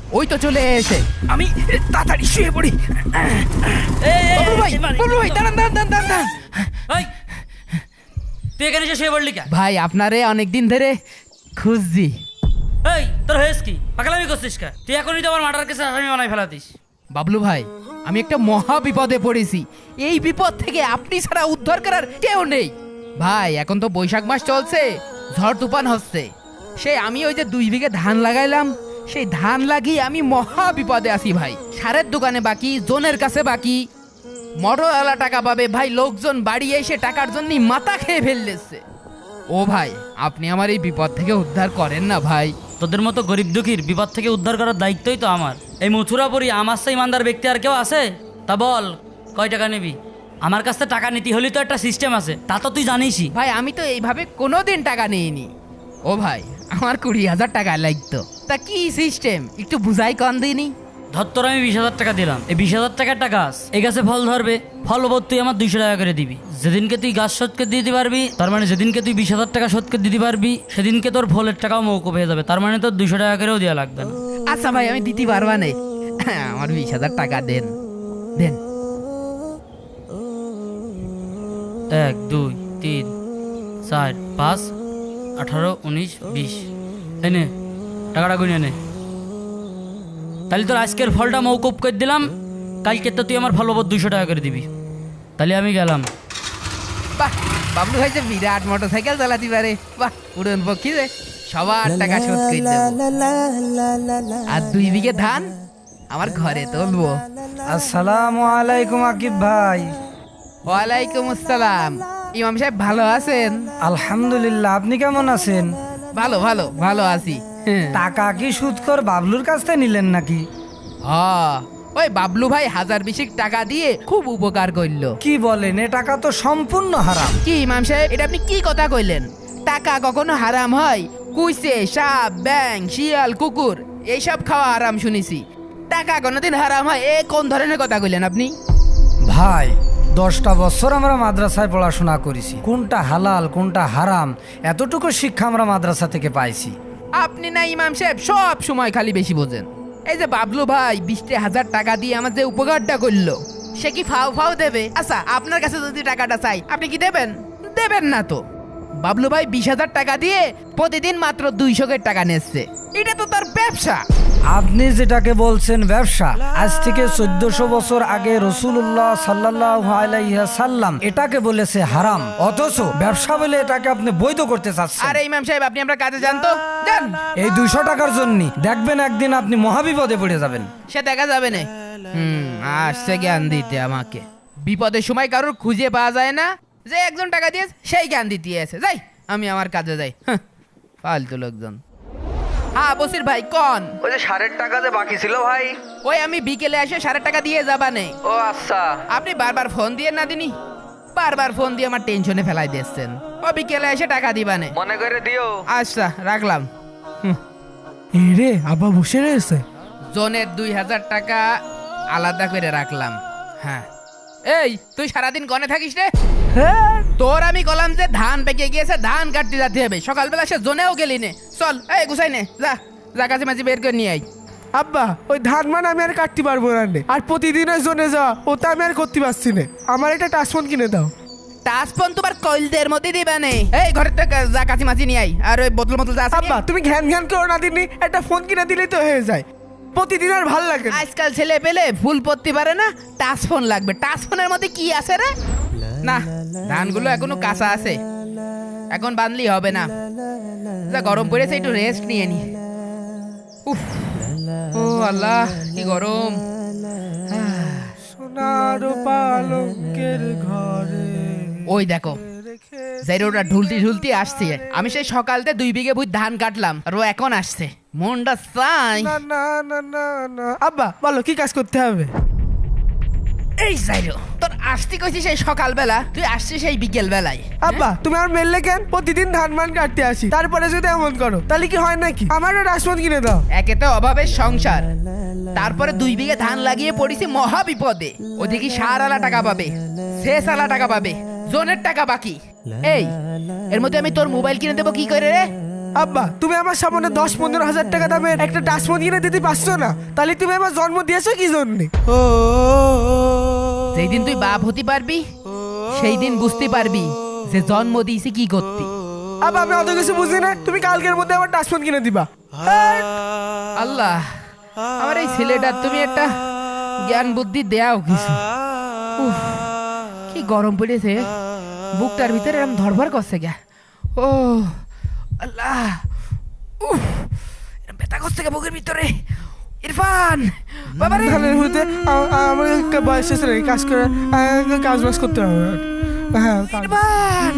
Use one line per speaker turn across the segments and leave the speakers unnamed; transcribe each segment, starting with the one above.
ওই তো চলে এসে। আমি তাড়াতাড়ি শুয়ে পড়ি। বাবলু ভাই দাঁড়ান দাঁড়ান দাঁড়ান দাঁড়ান।
তুই এখানে এসে শুয়ে পড়লি কেন?
ভাই আপনারে অনেকদিন ধরে খুঁজছি।
এই তোর হয়েছ কি? পাগলামি করছিস কে? তুই এখনই তো আমার মার্ডার কেসে আসামি বানাই ফেলাতিস।
বাবলু ভাই আমি একটা মহা বিপদে পড়েছি। এই বিপদ থেকে আপনি ছাড়া উদ্ধার করার কেউ নেই। ভাই এখন তো বৈশাখ মাস চলছে, ঝড় তুফান হচ্ছে। সেই আমি ওই যে 2 বিঘে ধান লাগাইলাম, সেই ধান লাগিয়ে আমি মহা বিপদে আছি ভাই। সারের দোকানে বাকি, জোনের কাছে বাকি, মোটরওয়ালা টাকা পাবে ভাই, লোকজন বাড়ি এসে টাকার জন্য মাথা খেয়ে ফেললেছে। ও ভাই আপনি আমার এই বিপদ থেকে উদ্ধার করেন না ভাই।
তোদের মতো গরিব দুঃখীর বিপদ থেকে উদ্ধার করার দায়িত্বই তো আমার। এই মথুরাপুরি আমার সেই ইমানদার ব্যক্তি আর কেউ আছে? তা বল কয় টাকা নিবি? আমার কাছ থেকে টাকা নিতে হলে তো একটা সিস্টেম আছে, তা তো তুই জানিসই।
ভাই আমি তো এইভাবে কোনোদিন টাকা নিইনি। ও ভাই আমার 20,000 টাকা লাগতো। তা কি সিস্টেম একটু বুঝাই কন দিইনি।
ধর তোর আমি 20,000 টাকা দিলাম, এই 20,000 টাকাটা গাছ, এই গাছে ফল ধরবে, ফল ওপর তুই আমার 200 টাকা করে দিবি। যেদিনকে তুই গাছ শোধকে দিতে পারবি, তার মানে যেদিনকে তুই 20,000 টাকা শোধকে দিতে পারবি, সেদিনকে তোর ফলের টাকাও মৌকুব হয়ে যাবে। তার মানে তোর 200 টাকা করেও দেওয়া লাগবে না।
আচ্ছা ভাই আমি দিতে পারবা না, আমার 20,000 টাকা দেন দেন।
1 2 3 4 5 18 19 20 এনে টাকাটা গুনে নে। তাহলে তোর আজকের ফলটা মৌকুব করে দিলাম, কালকে তো তুই আমার ফল ওপর 200 টাকা করে দিবি। তাহলে আমি গেলাম।
বাহ বাবলু ভাই যে বিরাট মোটরসাইকেল চালাতে পারে, বাহ উড়ন পক্ষী রে। সবার টাকা শোধ করে দেব, আর 2 বিঘে ধান আমার ঘরে তুলবো।
আসসালামু আলাইকুম আকিব ভাই।
ওয়ালাইকুম আসসালাম। ইমাম সাহেব ভালো আছেন?
আলহামদুলিল্লাহ, আপনি কেমন আছেন?
ভালো ভালো ভালো আছি।
টাকা কি সুদখোর বাবলুর কাছ থেকে নিলেন নাকি?
ওই বাবলু ভাই 1020 টাকা দিয়ে খুব উপকার করলো।
কি বলেন, এ টাকা তো সম্পূর্ণ হারাম।
কি ইমাম সাহেব এটা আপনি কি কথা কইলেন? টাকা কখনো হারাম হয়? কুইসে, সাপ, ব্যাং, শিয়াল, কুকুর এইসব খাওয়া হারাম শুনেছি। টাকা কোনোদিন হারাম হয়? এ কোন ধরনের কথা কইলেন আপনি?
ভাই 10টা বছর আমরা মাদ্রাসায় পড়াশোনা করেছি, কোনটা হালাল কোনটা হারাম এতটুকু শিক্ষা আমরা মাদ্রাসা থেকে পাইছি।
আপনি না ইমাম সাহেব সব সময় খালি বেশি বোঝেন। এই যে বাবলু ভাই 20,000 টাকা দিয়ে আমার যে উপকারটা করলো, সে কি ফাও ফাও দেবে? আচ্ছা আপনার কাছে যদি টাকাটা চাই আপনি কি দেবেন? দেবেন না তো। বাবলু ভাই 20,000 টাকা দিয়ে প্রতিদিন মাত্র 200 টাকা নিচ্ছে, এটা তো তার ব্যবসা।
আপনি যেটাকে বলছেন ব্যবসা, আজ থেকে 1400 বছর আগে রাসূলুল্লাহ সাল্লাল্লাহু আলাইহি সাল্লাম এটাকে বলেছে হারাম, অথচ ব্যবসা বলে এটাকে আপনি বৈধ করতে চাচ্ছেন।
আরে ইমাম সাহেব আপনি আমরা কাজে যান তো, যান।
এই 200 টাকার জন্য দেখবেন একদিন আপনি মহাবিপদে পড়ে যাবেন।
সে দেখা যাবে না। আসছে জ্ঞান দিতে আমাকে। বিপদের সময় কারোর খুঁজে পাওয়া যায় না, যে একজন টাকা দিয়ে সেই জ্ঞান দিতে আছে। যাই আমি আমার কাজে যাই। ফালতু লোকজন। হ্যাঁ বসির ভাই কোন?
ওই যে 1.5 টাকা যে বাকি ছিল ভাই।
ওই আমি বিকেলে এসে 1.5 টাকা দিয়ে যাবা নেই।
ও আচ্ছা।
আপনি বারবার ফোন দিয়ে না দিনি, বারবার ফোন দিয়ে আমার টেনশনে ফেলাই দিচ্ছেন। ও বিকেলে এসে টাকা দিবানে,
মনে করে দিও।
আচ্ছা রাখলাম।
রে আব্বা বসে রয়েছে।
জনের 2,000 টাকা আলাদা করে রাখলাম। হ্যাঁ এই তুই সারাদিন গনে থাকিস রে? তোর আমি কলাম যে ধান পেকে গিয়েছে, ধান কাটতে যেতে হবে। সকালবেলা সে জোনেও গেলি নে। চল এই গুছাই নে, যা যা কাছে মাঝে বের করে নিয়ে আই।
আব্বা ওই ধান মান আমি আর কাটতে পারবো না রে। আর প্রতিদিন ওই জোনে যাওয়া ওটা আমি আর করতে পারছি না। আমার একটা টাচফোন কিনে দাও।
টাচফোন তোমার কইলদের মধ্যে দিবা নে। এই ঘরের থেকে যা কাছে মাঝে নিয়ে আই, আর ওই বোতল মতল যা আছে
আব্বা তুমি ঘ্যান ঘ্যান করো না দিনই, একটা ফোন কিনে দিলেই তো হয়ে যায়। প্রতিদিন আর ভাল লাগে না।
আজকাল ছেলে পেলে ফুল পড়তে পারে না, টাচফোন লাগবে। টাচফোনের মধ্যে কি আছে রে? না ধানগুলো এখনো কাঁচা আছে, এখন বানলি হবে না। যা গরম পড়েছে একটু রেস্ট নিয়ে নি। উফ ও আল্লাহ কি গরম।
সোনার পালঙ্কের ঘরে
ওই দেখো জাইরোটা ঢুলতি ঢুলতি আসছে। আমি সেই সকালতে 2 বিঘে ভুই ধান কাটলাম, আর ও এখন আসছে। মনটা চাই।
না না না না না। আব্বা বলো কি কাজ করতে হবে?
এই জাইরো তোর আসতে কইছি সেই সকালবেলা, তুই আসছিস সেই বিকেল বেলায়।
আব্বা তুমি আমার মেললে কেন? প্রতিদিন ধান মান কাটতে আসি, তারপরে যদি এমন করো তাহলে কি হয় নাকি? আমারও টাচফোন কিনে দাও।
একে তো অভাবের সংসার, তারপরে 2 বিঘে ধান লাগিয়ে পড়েছি মহা বিপদে। ওদিকে সার আলা টাকা পাবে, শেষ আলা টাকা পাবে, জোনের টাকা বাকি। এই এর মধ্যে আমি তোর মোবাইল কিনে দেবো কি করে রে?
আব্বা তুমি আমার সামনে 10-15 হাজার টাকা দামের একটা টাচফোন কিনে দিতে পারছো না, তাহলে তুমি আমার জন্ম দিয়েছো কি জন্য?
যেই দিন তুই বাপ হতে পারবি সেই দিন বুঝতে পারবি যে জন্ম দিয়েছি কি করতি।
আব্বা আমি অত কিছু বুঝি না, তুমি কালকের মধ্যে আমার টাচফোন কিনে দিবা।
আল্লাহ, আমার এই ছেলেটার তুমি একটা জ্ঞান বুদ্ধি দেও কিছু। উফ, কি গরম পড়েছে, বুকটার ভিতরে এরকম ধরভর করছে গে। ও আল্লাহ, উফ, এরকম ব্যথা করছে গে বুকের ভিতরে। ইরফান বাবা রে,
ধানের মধ্যে আমার একটা বয়স এসে নাই, কাজ করে কাজ বাজ করতে হবে। হ্যাঁ
ইরফান,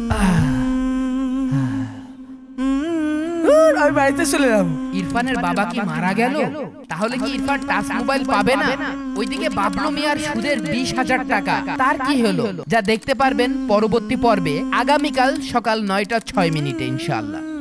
আমি বাড়িতে চলে যাবো।
ইরফানের বাবা কি মারা গেল? তাহলে কি ইরফান টাচ মোবাইল পাবে না? ওইদিকে বাবলু মিয়ার সুদের 20,000 টাকা, তার কি হলো? যা দেখতে পারবেন পরবর্তী পর্বে আগামীকাল সকাল 9টা 6 মিনিটে ইনশাআল্লাহ।